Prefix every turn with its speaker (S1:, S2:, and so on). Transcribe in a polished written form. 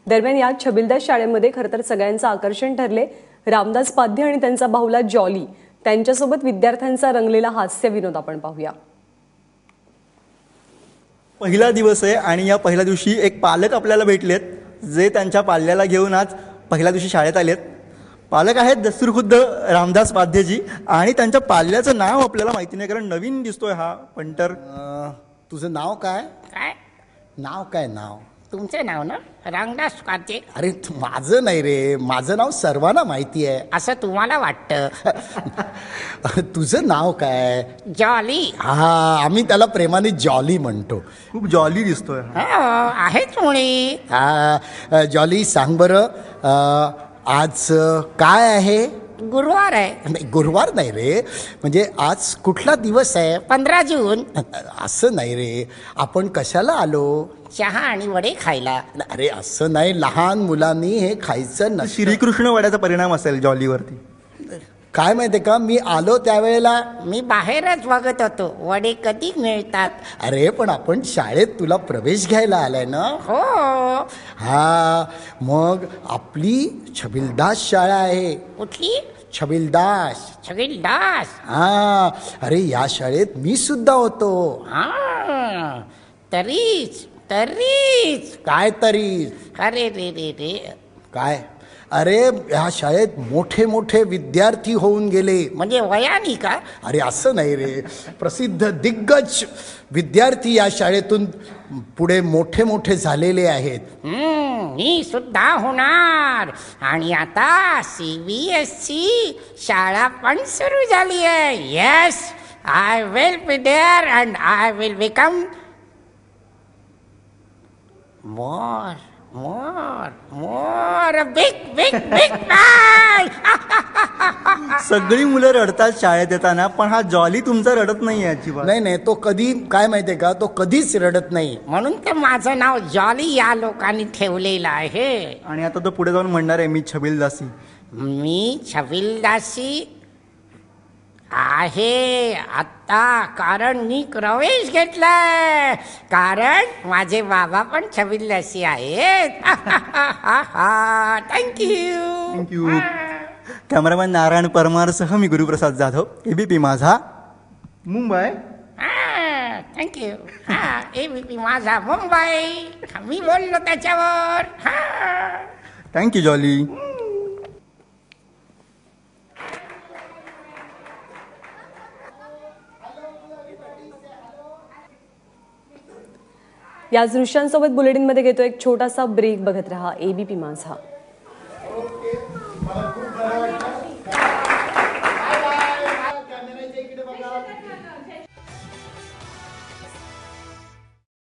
S1: दरम्यान या छबिलदास शाळेमध्ये खरं तर सगळ्यांचं आकर्षण ठरले रामदास पाध्ये आणि त्यांचा भाऊला जॉली त्यांच्यासोबत विद्यार्थ्यांचा रंगलेला हास्य विनोद आपण पाहूया।
S2: पहिला दिवस आहे आणि या पहिल्या दिवशी एक पालक आपल्याला भेटलेत जे त्यांच्या पाल्याला घेऊन आज पहिल्या दिवशी शाळेत आलेत। पालक आहेत दस्तूरखुद्द रामदास पाध्येजी आणि त्यांच्या पाल्याचं नाव आपल्याला माहिती नाही कारण नवीन दिसतोय हा पंटर।
S3: तुझं नाव काय?
S4: काय
S3: नाव काय? नाव
S4: तुमचं नाव ना रामदास पाध्ये?
S3: अरे माझं नाही रे, माझं नाव सर्वांना माहिती आहे।
S4: असं तुम्हाला वाटतं?
S3: तुझं नाव काय?
S4: जॉली।
S3: हा, आम्ही त्याला प्रेमाने जॉली म्हणतो।
S2: खूप जॉली दिसतोय
S4: आहेच मुळी।
S3: जॉली सांग बरं आज काय आहे?
S4: गुरुवार आहे।
S3: नाही गुरुवार नाही रे, म्हणजे आज कुठला दिवस आहे?
S4: 15 जून।
S3: असं नाही रे, आपण कशाला आलो?
S4: चहा आणि वडे खायला।
S3: अरे असं नाही, लहान मुलांनी हे खायचं नसतं।
S2: श्रीकृष्ण वड्याचा परिणाम असेल जॉलीवरती।
S3: काय माहितीये का, मी आलो त्यावेळेला
S4: मी बाहेरच बघत होतो वडे कधी मिळतात।
S3: अरे पण आपण शाळेत तुला प्रवेश घ्यायला आलाय ना?
S4: हो।
S3: हा, मग आपली छबिलदास शाळा आहे।
S4: कुठली?
S3: छबिलदास।
S4: छबिलदास?
S3: हा, अरे या शाळेत मी सुद्धा होतो।
S4: हा, तरीच तरीच
S3: काय तरी?
S4: अरे रे रे रे।
S3: काय? अरे ह्या शाळेत मोठे मोठे विद्यार्थी होऊन गेले।
S4: म्हणजे वयानी का?
S3: अरे असं नाही रे, प्रसिद्ध दिग्गज विद्यार्थी या शाळेतून पुढे मोठे मोठे झालेले आहेत।
S4: मी सुद्धा होणार। आणि आता CBSE शाळा पण सुरू झाली आहे। Yes, I will be there and I will become more big man.
S2: सगळी मुलं रडतात शाळेत येताना, पण हा जॉली तुमचा रडत नाही अजिबात।
S3: नाही नाही, तो कधी काय माहितीये का, तो कधीच रडत नाही।
S4: म्हणून तर माझं नाव जॉली या लोकांनी ठेवलेलं आहे।
S2: आणि आता तो पुढे जाऊन म्हणणार आहे मी छबिलदासी।
S4: मी छबिलदासी आहे आता, कारण मी प्रवेश घेतलाय, कारण माझे बाबा पण छबिलदासी आहेत। Thank you
S2: thank you. कॅमेरामॅन नारायण परमारसह मी Guruprasad Jadhav, ABP Majha Mumbai.
S4: Thank you. ABP Majha Mumbai, मी बोललो त्याच्यावर।
S2: Thank you Jolly.
S1: या दृश्यांसोबत बुलेटिनमध्ये घेतो एक छोटासा ब्रेक, बघत रहा ABP माझा।